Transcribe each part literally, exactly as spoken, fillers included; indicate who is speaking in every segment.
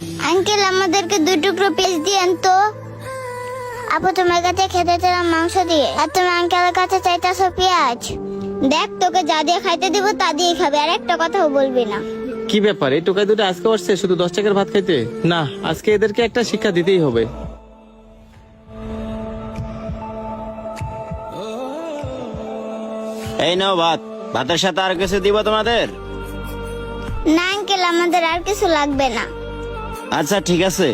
Speaker 1: Uncle আমাদেরকে দুই টুকরো পেঁয়াজ দিয়েন তো। আপু তোমার কাছে খেতে চাইলাম মাংস দিয়ে, আর তুমি আঙ্কেলের কাছে চাইতেছো পেঁয়াজ। দেখ তোকে যা দিয়ে খাইতে দিব তা দিয়ে খাবে, আর একটা কথাও বলবি না।
Speaker 2: কি ব্যাপার, এই টোকাই দুটো আজকে আসছে শুধু দশ টাকার ভাত খাইতে? না, আজকে এদেরকে একটা শিক্ষা দিতেই হবে।
Speaker 3: এই নাও ভাত, ভাতের সাথে আর কিছু দিব তোমাদের?
Speaker 1: না আঙ্কেল, আমাদের আর কিছু লাগবে না।
Speaker 3: আচ্ছা ঠিক আছে।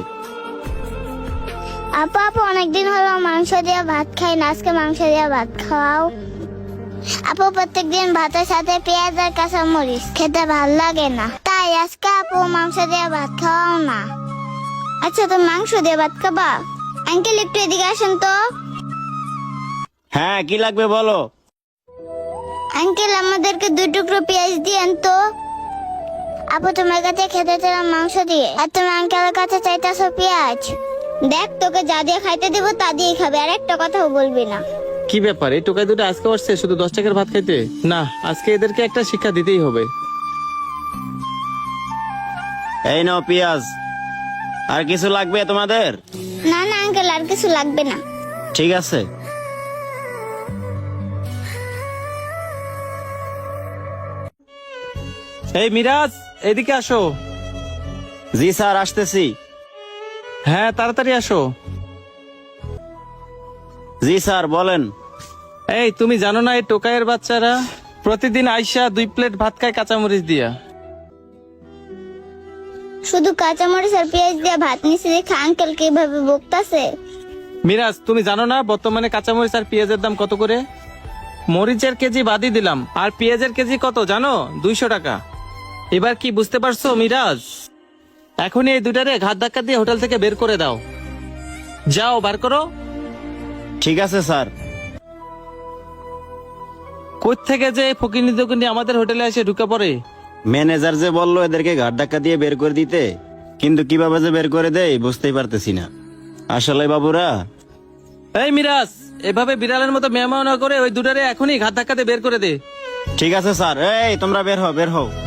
Speaker 1: আপু আপু অনেকদিন হলো মাংস দিয়ে ভাত খাই না, আজকে মাংস দিয়ে ভাত খাওয়াও। আপু প্রত্যেকদিন ভাতের সাথে পেঁয়াজ আর কাঁচা মরিচ খেতে ভাল লাগে না, তাই আজকে আপু মাংস দিয়ে ভাত খাওয়াও না। আচ্ছা তুমি মাংস দিয়ে ভাত খাবা? আঙ্কেল একটু এদিকে আসেন তো।
Speaker 3: হ্যাঁ কি লাগবে বলো।
Speaker 1: আঙ্কেল আমাদেরকে দুই টুকরো পেঁয়াজ দিয়েন তো। আপু তোমার কাছে খেতে চাইলাম মাংস দিয়ে, আর তুমি আঙ্কেলের কাছে চাইতেছো পেঁয়াজ। দেখ তোকে যা দিয়ে খাইতে দিব তা দিয়ে খাবে, আর একটা কথাও বলবি না।
Speaker 2: কি ব্যাপার, এই টোকাই দুটো আজকে আসছে শুধু দশ টাকার ভাত খাইতে? না, আজকে এদেরকে একটা শিক্ষা দিতেই হবে।
Speaker 3: এই নাও পেঁয়াজ। আর কিছু লাগবে তোমাদের?
Speaker 1: না না আঙ্কেল, আর কিছু লাগবে না।
Speaker 3: ঠিক আছে।
Speaker 2: এই মিরাজ, এদিকে আসো।
Speaker 3: জি স্যার আসতেছি।
Speaker 2: হ্যাঁ তাড়াতাড়ি আসো।
Speaker 3: জি স্যার বলেন।
Speaker 2: এই তুমি জানো না এই টোকাইয়ের বাচ্চারা প্রতিদিন আইসা দুই প্লেট ভাত খায় কাঁচামরিচ দিয়া?
Speaker 1: শুধু কাঁচামরিচ আর পেঁয়াজ দিয়ে ভাত নিচে দেখে আঙ্কেল কিভাবে বকতাছে।
Speaker 2: মিরাজ তুমি জানো না বর্তমানে কাঁচামরিচ আর পেঁয়াজের দাম কত করে? মরিচের কেজি বাদই দিলাম, আর পেঁয়াজের কেজি কত জানো? দুইশো টাকা। এবার কি বুঝতে পারছো মিরাজ? এখনই এই দুটারে ঘাত ধাক্কা দিয়ে হোটেল থেকে বের করে দাও। যাও বার করো।
Speaker 3: ঠিক আছে স্যার।
Speaker 2: কোথ থেকে যে ফকিনি দোকানি আমাদের হোটেলে এসে ঢুকে পড়ে।
Speaker 3: ম্যানেজার যে বললো এদেরকে ঘাট ধাক্কা দিয়ে বের করে দিতে, কিন্তু কিভাবে যে বের করে দেয় বুঝতেই পারতেছি না। আসলে বাবুরা।
Speaker 2: এই মিরাজ, এভাবে বিড়ালের মতো মেহমান না করে ওই দুটারে এখনই ঘাত ধাক্কাতে বের করে দে।
Speaker 3: ঠিক আছে স্যার। এই তোমরা বের হও, বের হও।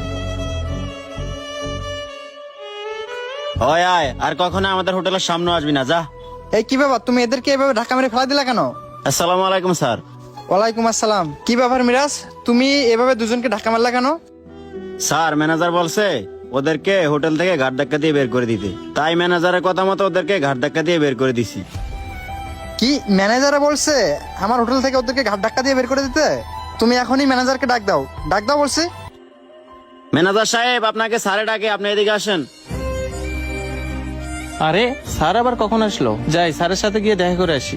Speaker 3: ওই আয়, আর কখনো আমাদের হোটেলের সামনে আসবি না, যা।
Speaker 4: এই কি ব্যাপার, তুমি এদেরকে এভাবে ধাক্কা মেরে ফেলা দিলা কেন?
Speaker 3: আসসালামু আলাইকুম স্যার।
Speaker 4: ওয়ালাইকুম আসসালাম। কি ব্যাপার মিরাজ, তুমি এভাবে দুজনকে ধাক্কা মারলা কেন?
Speaker 3: স্যার ম্যানেজার বলছে ওদেরকে হোটেল থেকে ঘাট ধাক্কা দিয়ে বের করে দিতে, তাই ম্যানেজারের কথা মতো ওদেরকে ঘাট ধাক্কা দিয়ে বের করে দিছি।
Speaker 4: কি ম্যানেজারে বলছে আমার হোটেল থেকে ওদেরকে ঘাট ধাক্কা দিয়ে বের করে দিতে? তুমি এখনই ম্যানেজারকে ডাক দাও, ডাক দাও বলছি।
Speaker 3: ম্যানেজার সাহেব আপনাকে স্যারে ডাকে, আপনি এদিকে আসেন।
Speaker 2: আরে স্যার আবার কখন আসলো? যাই স্যারের সাথে গিয়ে দেখা করে আসি।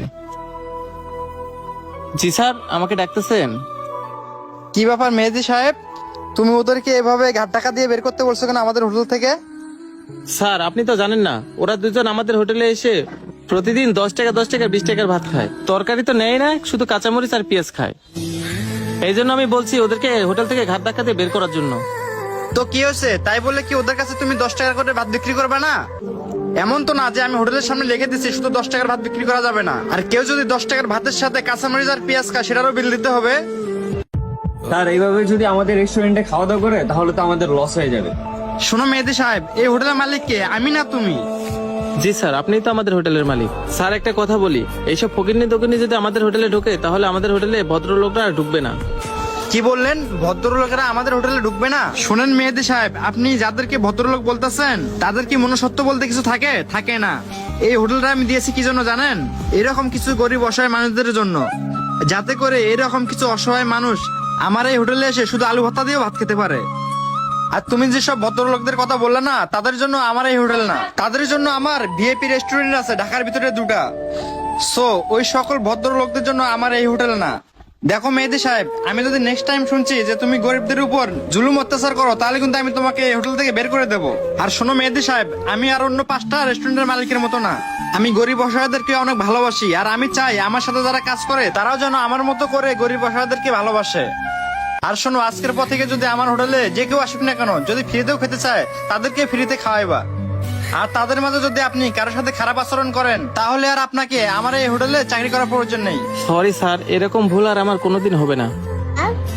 Speaker 2: জি স্যার, আমাকে ডাকতেছেন?
Speaker 4: কি ব্যাপার মেহেদি সাহেব, তুমি ওদেরকে এভাবে ঘাট ধাক্কা দিয়ে বের করতে বলছো কেন আমাদের হোটেল থেকে?
Speaker 2: স্যার আপনি তো জানেন না, ওরা দুজন আমাদের হোটেলে এসে প্রতিদিন দশ টাকা দশ টাকা বিশ টাকার ভাত খায়, তরকারি তো নেয় না, শুধু কাঁচামরিচ আর পেঁয়াজ খায়। এই জন্য আমি বলছি ওদেরকে হোটেল থেকে ঘাট ধাক্কা দিয়ে বের করার জন্য।
Speaker 4: তো কি হয়েছে, তাই বলে কি ওদের কাছে তুমি দশ টাকা করে ভাত বিক্রি করবে না? এমন তো না যে আমি হোটেলের সামনে লিখে দিচ্ছি শুধু দশ টাকার ভাত বিক্রি করা যাবে না, আর কেউ যদি দশ টাকার ভাতের সাথে কাঁচামরিচ আর পেঁয়াজ খায় সেটারও বিল দিতে হবে।
Speaker 5: স্যার এইভাবে যদি আমাদের রেস্টুরেন্টে খাওয়া দাওয়া করে তাহলে তো আমাদের লস হয়ে যাবে।
Speaker 4: শোনো মেহেদি সাহেব, এই হোটেলের মালিক কে, আমি না তুমি?
Speaker 2: জি স্যার, আপনি তো আমাদের হোটেলের মালিক। স্যার একটা কথা বলি, এইসব ফকিরনি দোকানি যদি আমাদের হোটেলে ঢোকে তাহলে আমাদের হোটেলে ভদ্রলোকরা আর ঢুকবে না।
Speaker 4: কি বললেন, ভদ্রলোকেরা আমাদের হোটেলে ঢুকবে না? শুনেন মেহেদি সাহেব, আপনি যাদেরকে ভদ্রলোক বলতেছেন তাদের কি মনুষ্যত্ব বলতে কিছু থাকে? থাকে না। এই হোটেলটা আমি দিয়েছি কি জন্য জানেন? এরকম কিছু গরিব অসহায় মানুষদের জন্য, যাতে করে এরকম কিছু অসহায় মানুষ আমার এই হোটেলে এসে শুধু আলু ভর্তা দিয়েও ভাত খেতে পারে। আর তুমি যেসব ভদ্রলোকদের কথা বললে না, তাদের জন্য আমার এই হোটেল না, তাদের জন্য আমার ভিআইপি রেস্টুরেন্ট আছে ঢাকার ভিতরে দুটা। সো ওই সকল ভদ্রলোকদের জন্য আমার এই হোটেল না। দেখো মেহেদি সাহেব, আমি যদি নেক্সট টাইম শুনছি যে তুমি গরিবদের উপর জুলুম অত্যাচার করো তাহলে কিন্তু আমি তোমাকে এই হোটেল থেকে বের করে দেবো। আর শোনো মেহেদি সাহেব, আমি আর অন্য পাঁচটা রেস্টুরেন্টের মালিকের মতো না, আমি গরিব অসহায়দেরকে অনেক ভালোবাসি, আর আমি চাই আমার সাথে যারা কাজ করে তারাও যেন আমার মতো করে গরিব অসহায়দেরকে ভালোবাসে। আর শোনো, আজকের পর থেকে যদি আমার হোটেলে যে কেউ আসুক না কেন, যদি ফ্রিতেও খেতে চায় তাদেরকে ফ্রিতে খাওয়াইবা। আর তাদের মাঝে যদি আপনি কারোর সাথে খারাপ আচরণ করেন তাহলে আর আপনাকে আমার এই হোটেলে চাকরি করার প্রয়োজন নেই।
Speaker 2: সরি স্যার, এরকম ভুল আর আমার কোনোদিন হবে না।
Speaker 1: আর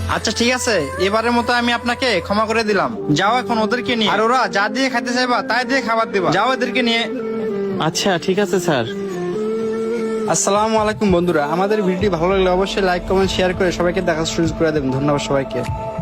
Speaker 4: আচ্ছা ঠিক আছে, এবারের মতো আমি আপনাকে ক্ষমা করে দিলাম। যাও এখন ওদেরকে নিয়ে, আর ওরা যা দিয়ে খাইতে চাইবা তাই দিয়ে খাবার দিবা। যাও এদেরকে নিয়ে।
Speaker 2: আচ্ছা ঠিক আছে স্যার।
Speaker 4: আসসালামু আলাইকুম বন্ধুরা, আমাদের ভিডিওটি ভালো লাগলে অবশ্যই লাইক কমেন্ট শেয়ার করে সবাইকে দেখার সুযোগ করে দেবেন। ধন্যবাদ সবাইকে।